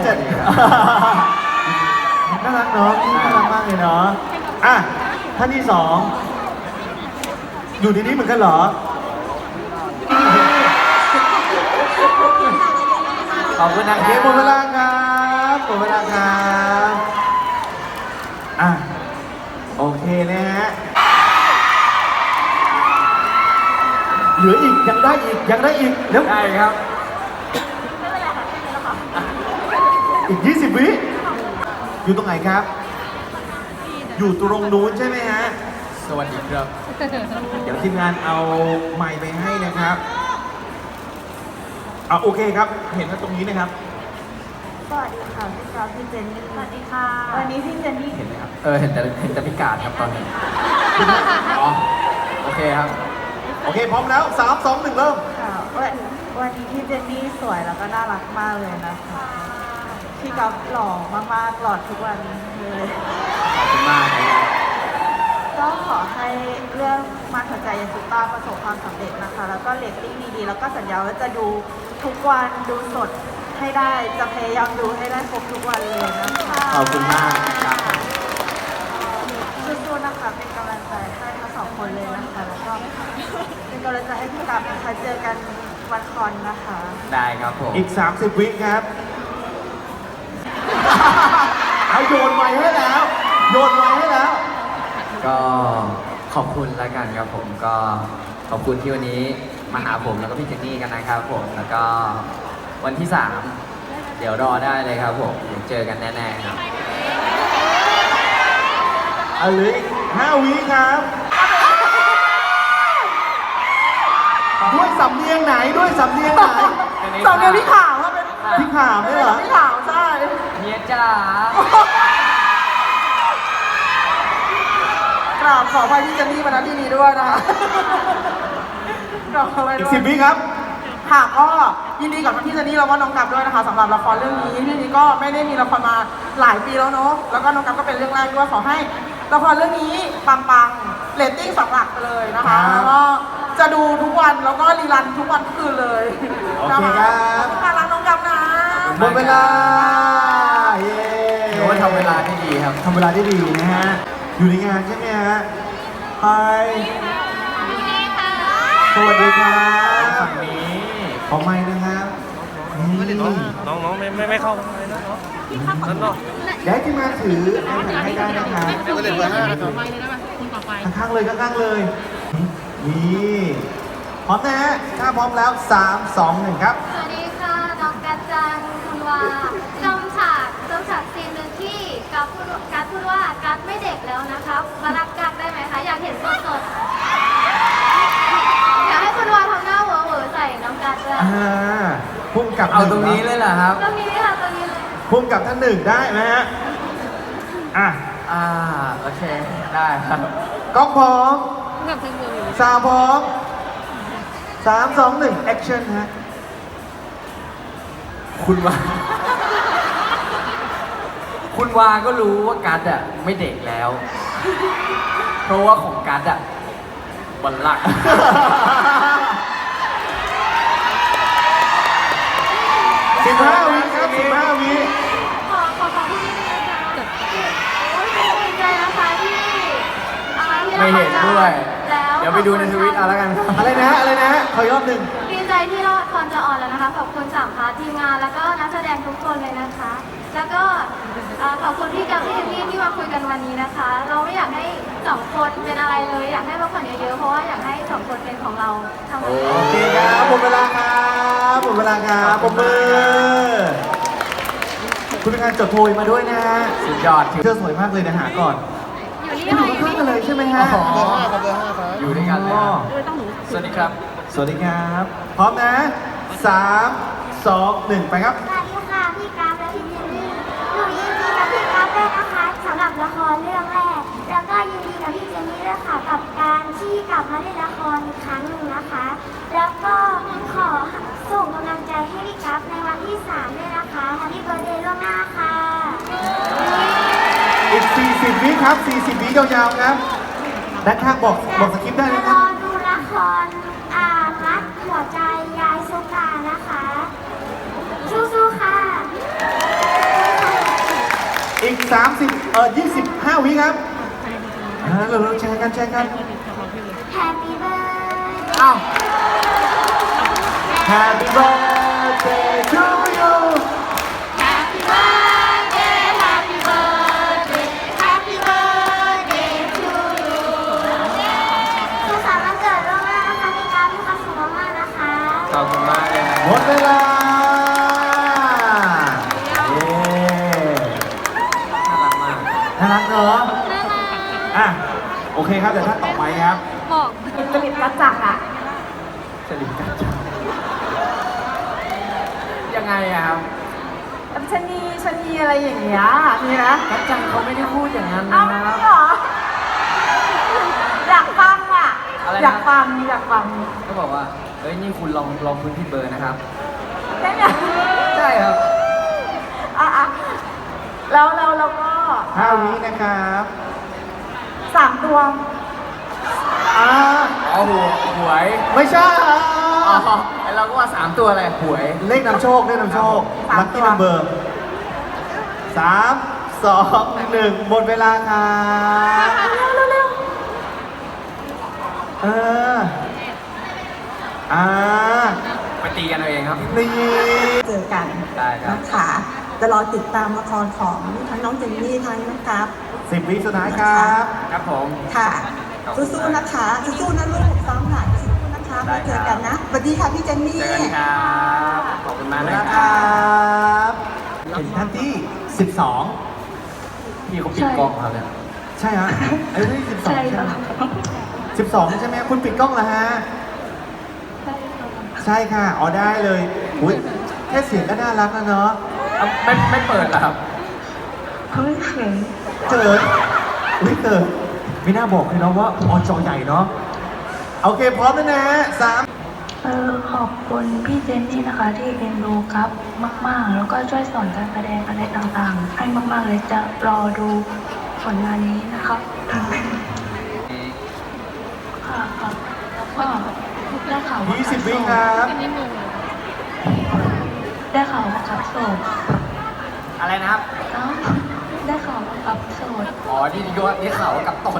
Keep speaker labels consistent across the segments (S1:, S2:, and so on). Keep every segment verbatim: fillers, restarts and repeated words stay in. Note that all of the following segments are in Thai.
S1: จะน่ารักเนาะน่ารักมากเลยเนาะอ่ะท่านที่สองอยู่ในนี้เหมือนกันเหรอ
S2: ขอบคุณนะ
S1: โอ
S2: ค
S1: เค
S2: รับ
S1: หมดเวลาครับหมดเวลาครับอ่ะโอเคนะฮะเหลืออีกยังได้อีกยังได้อีกเร็ว
S2: ได้ครับ
S1: อีกยี่สิบวิอยู่ตรงไหนครับ อยู่ตรงนู้นใช่ไหมฮะ
S2: สวัสดีครับ
S1: เดี๋ยวทีมงานเอาไมค์ไปให้นะครับอ่ะโอเคครับ เห็นว่าตรงนี้นะครับ
S3: สวัสดีค่ะพี่กราฟพี่เจนนี่ สวัสดีค่ะ วันนี้พี่เจนนี่
S2: เห็นไหมครับ เออ เห็นแต่เห็นแต่พิการครับตอนนี้ อ๋อ โอเคครับ
S1: โอเคพร้อมแล้วสามสองหนึ่งเริ่ม
S3: ค่ะวันวันนี้พี่เจนนี่สวยแล้วก็น่ารักมากเลยนะคะ พี่กราฟหล่อมากๆหล่อทุกวันเลย
S2: ขอบคุณมากครับ
S3: ก็ขอให้เรื่องมาถัดใจยังสุดตาประสบความสำเร็จนะคะ แล้วก็เรตติ้งดีๆ แล้วก็สัญญาว่าจะดูทุกวันดูสดให้ได้ จะพยายามดูให้ได้ครบทุกวันเลยนะคะ
S2: ขอบคุณมากครับ
S3: สู้ๆนะคะ เป็นกำลังใจให้ทั้งสองคนเลยนะคะ แล้วก็เป็นกำลังใจให้พี่กราฟนะคะเจอกันวันคอนนะคะ
S2: ได้ครับผม
S1: อีกสามสิบวิครับ เอาโยนไม้ให้แล้ว โยนไม้ให้แล้ว
S2: ก็ขอบคุณแล้วกันครับผมก็ขอบคุณที่วันนี้มาหาผมแล้วก็พี่เจนนี่กันนะครับผมแล้วก็วันที่สามเดี๋ยวรอได้เลยครับผมเดี๋ยวเจอกันแน่ๆครับ
S1: เอาเหลยห้าวิครับ ด้วยสำเนียงไหนด้วยสำเนียงไหน
S3: สองเดือนพี่ขาวว่าเป็น
S1: พี่ขามเนี่ยเหรอ
S3: พี่ขาวใช่
S2: เมียจ๋าก
S3: ราบขออภัยพี่เจนนี่มาณที่นี้ด้วยนะคะกราบขออภัย
S1: อี
S3: ด้
S1: ก
S3: วย
S1: สิบวิครับ
S3: ค่ะก็ยินดีกับพี่เจนนี่แล้วก็น้องกัฟด้วยนะคะสำหรับละครเรื่องนี้เรื่องนี้ก็ไม่ได้มีละครมาหลายปีแล้วเนาะแล้วก็น้องกัฟก็เป็นเรื่องแรกด้วยขอให้ละครเรื่องนี้ปังๆเรตติ้งสองหลักไปเลยนะคะ
S1: ครับ
S3: แล้วก็จะดูทุกวันแล้วก็รีรันทุกวันทุกคืนเลย
S1: โอเคครับ
S3: ขอบคุณค่ะรักน้องกัฟนะ
S1: หมดเวลา เย้
S2: ถือว่าทำเวลาได้ดีครับ
S1: ทำเวลาได้ดีนะฮะ อยู่ในงานใช่ไหมฮะไฮสวัสดีครับ
S2: ฝั่งนี้
S1: ขอไม้นะครับนี่
S4: น้องน้องไม่ไม่ไม่เข้าข้างในนะเนาะนั่นเนาะ
S1: เดี๋ยวให้ทีมงานถือไอแพดให้ได้นะครับ
S4: ก็เลยเบอร์ห้านะครับ
S1: ข้างๆเลยข้างๆเลย นี่พร้อมนะฮะถ้าพร้อมแล้วสามสองหนึ่งครับ
S5: สวัสดีค่ะน้องกัจจังคุณวาจำฉากจำฉากซีนหนึ่งที่กัฟพูดกัฟพูดว่ากัฟไม่เด็กแล้วนะครับมารักกัฟได้ไหมคะอยากเห็นสดๆอยากให้คุณวาทำหน้าเหวอเหวอใส่น้องกัจด้วย
S1: อ่าพุ่มกับ
S2: เอาตรงนี้เลยเหรอครับ
S5: ตรงนี้ค่ะตรงนี้เลย
S1: พุ่มกับท่านหนึ่งได้ไหมฮะ อ่ะ
S2: อ่า โอเค ได้ครับ
S1: กล้องพร้อมสาวพร้อมสามสองหนึ่งแอคชั่นฮะ
S2: คุณวา คุณวาก็รู้ว่ากัดอ่ะไม่เด็กแล้ว เพราะว่าของกัดอ่ะบัลลังก์
S1: สิบห้าวิครับสิบห้าวิ
S5: ขอขอขอที่นี่ด้วยนะคะโอ้ยดีใจนะคะที่อ่าที่
S2: ไม่เห็นด้วย
S5: แล้ว
S2: เดี๋ยวไปดูในทวิตเอาแล้วกันครับ
S1: อะไรนะฮะอะไรนะฮะขออีกรอบหนึ่ง
S5: ดีใจที่ละครจะออนแล้วนะคะขอบคุณสามพาร์ททีมงานแล้วก็นักแสดงทุกคนเลยนะคะ แล้วก็อ่าขอบคุณพี่กับพี่เอมมี่ที่มาคุยกันวันนี้นะคะ เราไม่อยากให้สองคนเป็นอะไรเลย อยากให้พักผ่อนเยอะๆเพราะว่าอยากให้สองคนเป็นของเราทั้งหมด
S1: โอเคครับหมดเวลาครับหมดเวลาครับปรบมือ คุณเป็นการจดโพยมาด้วยนะฮะ
S2: สุดยอดถือ
S1: เธอสวยมากเลยนะหาก่อน
S5: อยู่นี่
S1: คุณอยู่
S5: ค่ะ
S1: ข้างๆกันเลยใช่ไหมฮะ
S2: อ๋อ
S4: เบอร์ห้าครับเบอร์ห้าครับ
S2: อยู่ด้วยกันเลยครับ สวัสดีครับ
S1: สวัสดีครับ พร้อมนะสามสองหนึ่งไปครับ
S5: สวัสดีค่ะพี่กราฟและพี่เจนนี่หนูยินดีกับพี่กราฟด้วยนะคะสำหรับละครเรื่องแรก แล้วก็ยินดีกับพี่เจนนี่ด้วยค่ะกับการที่กลับมาเล่นละครอีกครั้งหนึ่งนะคะ แล้วก็ขอส่งกำลังใจให้พี่กราฟในวันที่สามด้วยนะคะแฮปปี้เบิร์ธเดย์ล่วงหน้าค่ะ
S1: อีกสี่สิบวิครับสี่สิบวิยาวๆครับด้านข้างบอกบอกสคริปต์ได้เลยค
S5: ร
S1: รับ
S5: อดูละครอ่ามัดหัวใจยายสุกานะคะสู้ๆค่ะ
S1: สามสิบเออยี่สิบห้าวิครับอ่าเราเราแชร์กันแชร์กัน
S5: Happy birthday
S2: อ้าว
S1: Happy birthday to you
S5: Happy birthday Happy birthday Happy birthday to you สุขสันต์วันเกิดล่วงหน้านะคะพี่กราฟมีความสุขมากๆนะคะ
S2: ขอบคุณมากเลยนะ
S1: หมดเวลาเย้
S2: น่ารักมาก
S1: น่ารักเนอะอ่ะโอเคครับเดี๋ยวท่านต่อไปครับ
S3: จริตกระจักอ่ะ
S2: สลิมกันจังยังไงอะครับ
S3: ชะนีชะนีอะไรอย่างเงี้ยมีนะ
S2: กัจจังเขาไม่ได้พูดอย่างนั้น
S3: อ้า
S2: นะ
S3: ว
S2: ครับ
S3: เหรออยากฟังอ่ะ
S2: อะไรนะ
S3: อยากฟังอยากฟัง
S2: ก็บอกว่า เฮ้ย นี่คุณลองลองพื้นที่เบอร์นะครับ
S3: ใช่ไหม
S2: ใช่ครับ
S3: อ่ะอ่ะแล้วแล้วเราก็
S1: ห้าวินะครับ
S3: สามตัว
S1: อ่า
S2: อ๋อหัวหวย
S1: ไม่ใช่
S2: อ๋อไอเราก็ว่าสามตัวอะไรหวย
S1: เลขนำโชคเลขนำโชค
S3: สาม
S1: ลัค
S3: ตั
S1: กี้
S3: ว
S1: นัมเบอร์สามสองหนึ่งหมดเวลาครับ
S3: เร็วเร็ว
S1: เอออ่า
S2: ไปตีกันเอาเองครับ
S1: นี่
S6: เจอกัน
S2: ได้ครับ
S6: นะคะจะรอติดตามละครของทั้งน้องเจนนี่ทั้งน้องกราฟ
S1: สิบวิสุดท้ายครับ
S2: ครับผม
S6: ค่ะ
S2: ขอบคุณ
S6: สู้ๆนะคะสู้ๆนะลูกซ้อมหน่อยสู้ๆนะคะ
S2: ได้
S6: ไว้
S2: ครับ
S6: เจอกันนะสวัสดีค่ะพี่เจนนี่
S2: เจอกันครับ ขอบคุณ
S1: หม
S2: มาก
S1: ดเว
S2: นะ
S1: ลา
S2: ค
S1: ค
S2: รั
S1: รับ บถึงท่านที่สิบสอง
S2: พี่เขาปิดกล้องครับเนี่ย
S1: ใช่ฮะไอ้ที่สิบสองใช่ไหมสิบสองใช่ไหมคุณปิดกล้องแล้วฮะ ใช่ค่ะอ๋อได้เลยอุ้ยแค่เสียงก็น่ารักแล้วเนาะ
S2: เอ้าไม่ไม่เปิดเหรอครับ
S1: เกิดอุ้ยเกิดไม่น่าบอกเลยเนาะว่าออจอใหญ่เนาะโอเคพร้อมแล้วนะสาม
S7: เออขอบคุณพี่เจนนี่นะคะที่เอ็นดูครับมาก ๆ แล้วก็ช่วยสอนการแสดงอะไรต่างๆ ให้มาก ๆ เลยจะรอดูผลงานนี้นะครับค่ะครับแล้วก็ได้ข่าวว่า
S1: ยี่สิบวิครับ
S7: ได้ข่าวว่าครับโสด
S2: อะไรนะครับ
S7: เอ้าได้ข่าวว่าครับโสด
S2: อ๋อที่ยศที่เขากับตด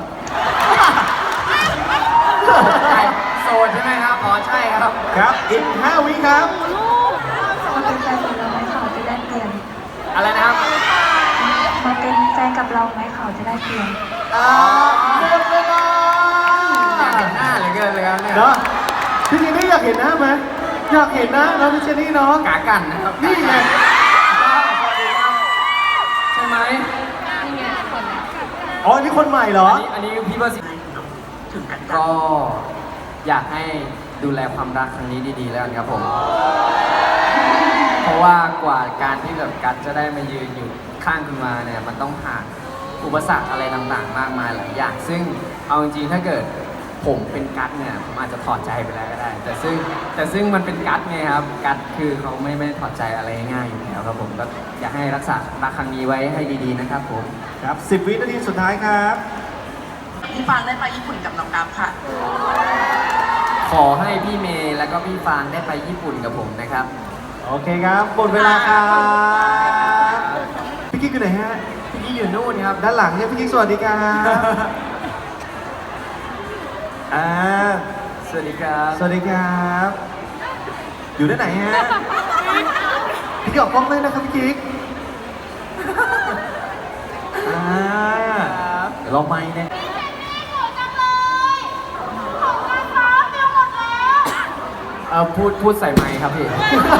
S2: ใช่โซนใช่ไหมครับ อ๋อ ใช่ครับ
S1: ครับอีกห้าวิครับ
S7: มาเป็นแฟนกับเราไหมเขาจะได้เปลี่ยน
S2: อะไรนะครับ
S7: มาเป็นแฟนกับเราไหมเขาจะได้เปลี่ยน
S1: อ่าหมดเวลา
S2: อยากเห็นหน้าเหลือเกินเลยครับเนี่ย
S1: เนาะพี่เจนนี่อยากเห็นหน้าไหมอยากเห็นหน้าเนาะพี่เจนนี่เนาะ
S2: กากันนะครับ
S1: นี่ไง
S2: ใช่ไหม
S1: อ๋อนี่คนใหม่เหรอ
S2: อันนี้อันนี้พี่เบอร์สิก็อยากให้ดูแลความรักครั้งนี้ดีๆแล้วกันครับผม เพราะว่ากว่าการที่แบบกัดจะได้มายืนอยู่ข้างคุณมาเนี่ยมันต้องผ่านอุปสรรคอะไรต่างๆ มากมายหลายอย่าง ซึ่งเอาจริงๆถ้าเกิดผมเป็นกัดเนี่ยผมอาจจะถอดใจไปแล้วก็ได้ แต่ซึ่งแต่ซึ่งมันเป็นกัดไงครับกัดคือเขาไม่ไม่ถอดใจอะไรง่ายๆอยู่แล้วครับผมก็อยากให้รักษารักครั้งนี้ไว้ให้ดีๆนะครับผม
S1: ครับสิบวินาทีสุดท้ายครับ
S6: พี่ฟางได้ไปญี่ปุ่นกับน้องกราฟค่ะ
S2: ขอให้พี่เมย์แล้วก็พี่ฟางได้ไปญี่ปุ่นกับผมนะครับ
S1: โอเคครับหมดเวลาครับพี่กิ๊กอยู่ไหนฮะ
S2: พี่กี้อยู่นู่นครับ
S1: ด้านหลังเนี่ยพี่กิ๊กสวัสดีครับอ่า
S2: สวัสดีครับ
S1: สวัสดีครับ อยู่ด้านไหนฮะพี่กิ๊กออกกล้องเลยนะครับพี่กิ๊กอ่าเดี๋ยวเราไม่เนี่ย
S2: เออพูดพูดใส่ไมค์ครับพี่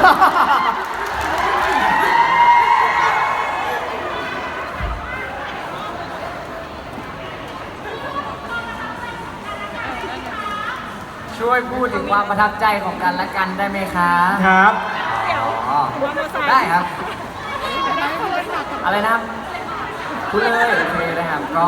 S2: ช่วยพูดถึงความประทับใจของกันและกันได้ไหมคะ
S1: ครับ
S2: อ๋อได้ครับ อะไรนะครับ พูดเลยโอเคนะครับก็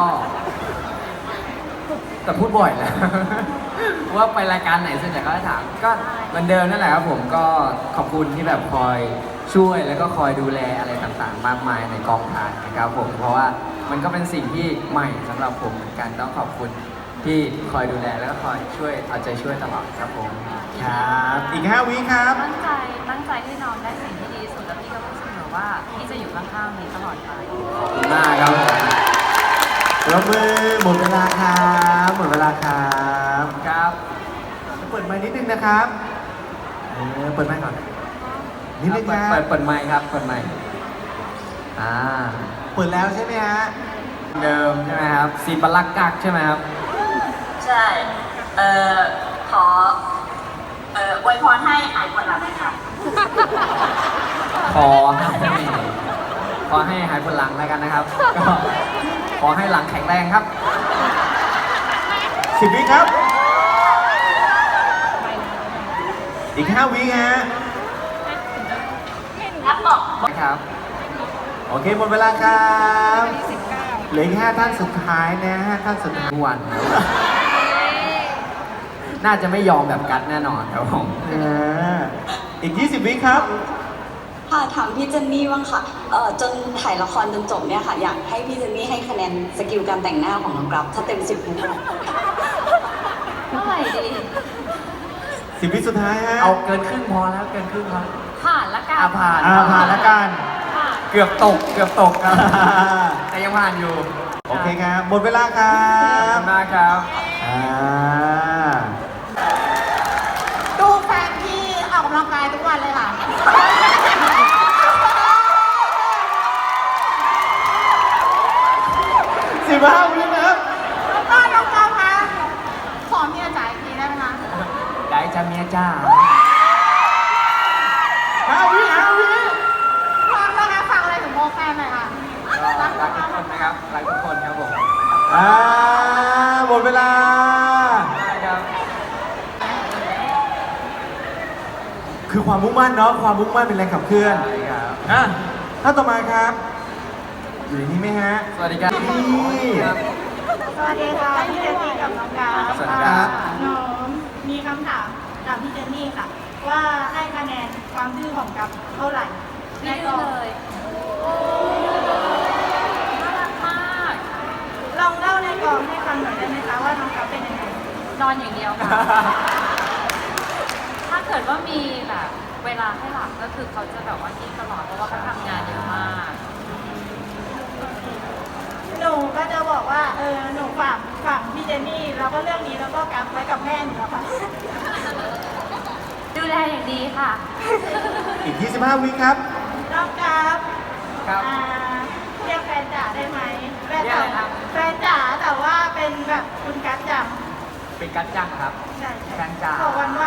S2: แต่พูดบ่อยแล้ว ว่าไปรายการไหนส่วนใหญ่ก็จะถามก็เหมือนเดิมนั่นแหละครับผมก็ขอบคุณที่แบบคอยช่วยแล้วก็คอยดูแลอะไรต่างๆ มากมายในกองถ่ายนะครับผมเพราะว่ามันก็เป็นสิ่งที่ใหม่สำหรับผมเหมือนกันต้องขอบคุณที่คอยดูแลแล้วก็คอยช่วยเอาใจช่วยตลอดครับผม
S1: ครับ อีกห้าวิครับ
S8: ตั้งใจตั้งใจให้น้องได้สิ่งที่ดีที่สุดแล้วพี่ก็พูดเสมอว่าพี่จะอยู่ข้างๆนี้ตลอดไป
S2: ขอบคุณมากครับผม
S1: ปรบมือหมดเวลาครับหมดเวลาครับ
S2: ครับ
S1: เปิดไมค์นิดนึงนะครับเออเปิดไมค์ก่อนนิดนึงค
S2: เปิด
S1: รับ
S2: เปิดเปิดไมค์ครับเปิดไมค์อ่า
S1: เปิดแล้วใช่ไหมฮะ
S2: เดิมใช่ไหมครับซีปลักกักใช่ไหมครับ
S9: ใช่ เอ่อ ขอ เอ่ออวยพรให้หายปวดหลังค่ะ
S2: ขอให้ขอให้หายปวดหลังแล้วกันนะครับ ก็ขอให้หลังแข็งแรงครับ
S1: สิบวิครับ อีกห้าวิฮะ
S9: รับบอก
S2: นะครับ
S1: โอเคหมดเวลาครับเหลืออีกห้าท่านสุดท้ายนะห้าท่านสุดท้าย
S2: ทุกวันครับน่าจะไม่ยอมแบบกัดแน่นอนครับผม
S1: อ่าอีกยี่สิบวิครับ
S10: ค่ะถามพี่เจนนี่บ้างค่ะเอ่อจนถ่ายละครจนจบเนี่ยค่ะ อยากให้พี่เจนนี่ให้คะแนนสกิลการแต่งหน้าของน้องกราฟถ้าเต็มสิบให้เท่าไหร่
S8: เท่าไหร่ดี
S1: สิบวิสุดท้ายฮะ
S2: เอาเกินครึ่งพอแล้วเกินครึ่งพอ
S8: ผ่านละกัน
S2: อาผ่าน
S1: อ่าผ่านแล้วกัน
S8: ผ่าน
S2: เกือบตกเกือบตกครับ แต่ยังผ่านอยู่
S1: โอเคครับ หมดเวลาครั
S2: ขอบบ คุณมากครับ
S1: อ่า
S3: ดูแฟนพี่ออกกำลังกายทุกวันเลยค่ะ
S1: สิบห้าวินะครับ
S3: แล้วก็น้องกอล์ฟคะขอเมียจ่ายอีกทีได้ไหมคะ
S2: ได้จ้าเมียจ้า
S1: ห้าวิห้าวิ
S3: พร้อมแล้วนะฝากอะไรถึงโมแฟนหน่อยค่ะ
S2: ก็รักทุกคนนะครับ รักทุกคนครับผม
S1: อ่า หมดเวลา
S2: ได้ครับ
S1: คือความมุ่งมั่นเนาะ ความมุ่งมั่นเป็นแรงขับเคลื่อน
S2: ใช่ครับ
S1: อ่ะท่านต่อมาครับ อยู่ในนี้ไหมฮะ
S2: สวัสดีครับ
S1: นี่
S2: ครับ
S3: สวัสดีค่ะพี่เจนนี่กับน้องกา
S2: สวัสดีครับ
S3: น้องมีคำถามจากพี่เจนนี่ค่ะ ว่าให้คะแนนความดื้อของกับเท่าไหร่
S8: ไม่ดื้อเลยน่ารักมาก
S3: ลองเล่าในกองให้ฟังหน่อยได้ไหมคะว่าน้องกับเป็นยังไง
S8: นอนอย่างเดียวค่ะ ถ้าเกิดว่ามีแบบเวลาให้หลับก็คือเขาจะแบบว่านิ่งตลอดเพราะว่าเขาทำงานเยอะมาก
S3: หนูก็จะบอกว่าเออหนูฝากฝากพี่เจนนี่แล้วก็เรื่องนี้แล้วก็กับไว้กับแม่หนูแล้วค่ะ
S8: ดูแลอย่างดีค่ะ
S1: อีกยี่สิบห้าวิครับ
S3: น้องกับ
S2: ครับ
S3: อ่าเรียกแฟนจ๋าได้ไหมแฟน
S2: เรียกอะไรครับ
S3: แฟนจ๋าแต่ว่าเป็นแบบคุณกัดจัง
S2: เป็นกัดจังครับ
S3: ใช่ใช่
S2: แฟนจ๋า
S3: ขอวันว่า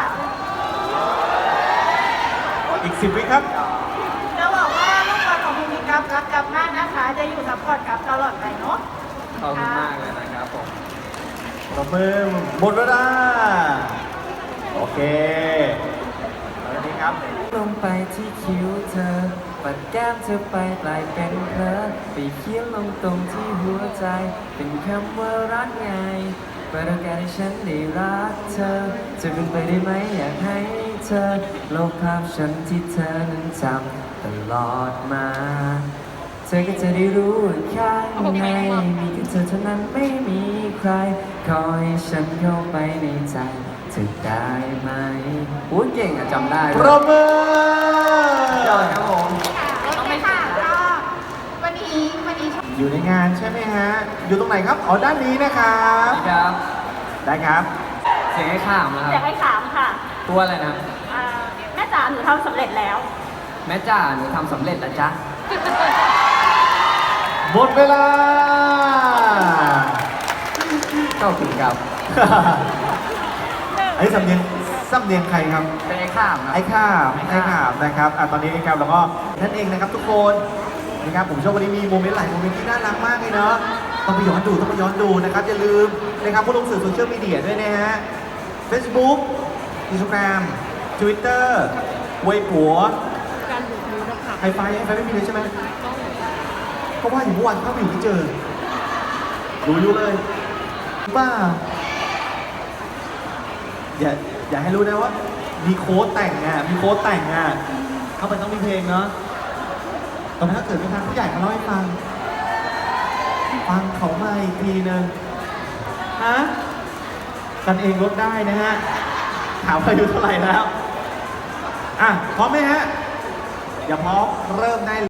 S1: อีกสิบวิครับ
S3: จะบอกว่าลูกบอลของคุณมีกับรักกับมากนะคะ จะอยู่ซัพพอร์ตกับตลอดไปเนาะ
S2: ขอบคุณมากเลยนะครับผม
S1: ปรบมือหมดเวลา โอเคแล้วนี้ครับ
S2: ลงไปที่คิ้วเธอ ปัดแก้มเธอไปกลายเป็นเพลอไปเขียนลงตรงที่หัวใจ เป็นคำว่ารักไงเปิดโอกาสให้ฉันได้รักเธอ จะเป็นไปได้ไหมอยากให้เธอลบภาพฉันที่เธอนั้นจำตลอดมา เธอก็จะได้รู้ว่าข้างในมีแค่เธอเท่านั้นไม่มีใคร ขอให้ฉันเข้าไปในใจเธอได้ไหมอู้เก่งอะจำได้
S1: ปรบมือย
S2: อดครับผม
S3: โอเคค่ะก็วันนี้วันนี้
S1: อยู่ในงานใช่ไหมฮะ อยู่ตรงไหนครับ อ๋อ ด้านนี้นะครับ
S2: สวัสดีครับ
S1: ได้ครับ
S2: เสียงให้ข้ามนะค
S9: อยา
S2: รั
S9: ก
S2: บ
S9: ให้ถามค่ะ
S2: ตัวอะไรนะครับ
S9: อ่าแม่จ๋าหนูทำสำเร็จแล้ว
S2: แม่จ้าหนูทำสำเร็จแล้วจ้ะ
S1: หมดเวลา
S2: ขอบคุณครับ
S1: ไอ้สำเนียงสำเนียงใครครับ
S2: เป็นไอ้ข้ามครับ
S1: ไอ้ข้าม
S2: ไอ้
S1: ไอ้
S2: ข้าม
S1: ข้ามนะครับอ่ะตอนนี้นะครับเราก็นั่นเองนะครับทุกคนนะครับผมเชื่อวันนี้มีโมเมนต์หลายโมเมนต์ที่น่ารักมากเลยเนาะต้องไปย้อนดูต้องไปย้อนดูนะครับอย่าลืมนะครับผู้ลงสื่อโซเชียลมีเดียด้วยนะฮะ Facebook Instagram Twitter เว็บหัวไฮไฟไฮไฟไม่มีเลยใช่ไหมเพราะว่าอยู่เมื่อวานเข้าไปอยู่ไม่เจอรู้อยู่เลยบ้าอย่าอย่าให้รู้นะว่า มีโค้ดแต่งอ่ะ มีโค้ดแต่งอ่ะ เข้าไปต้องมีเพลงเนาะตอนนั้นถ้าเกิดมีทางผู้ใหญ่มาเล่าให้ฟัง ฟังเขามาอีกทีนึงฮะกันเองลดได้นะฮะ ถามอายุเท่าไหร่แล้ว อ่ะ พร้อมไหมฮะ อย่าพร้อมเริ่มได้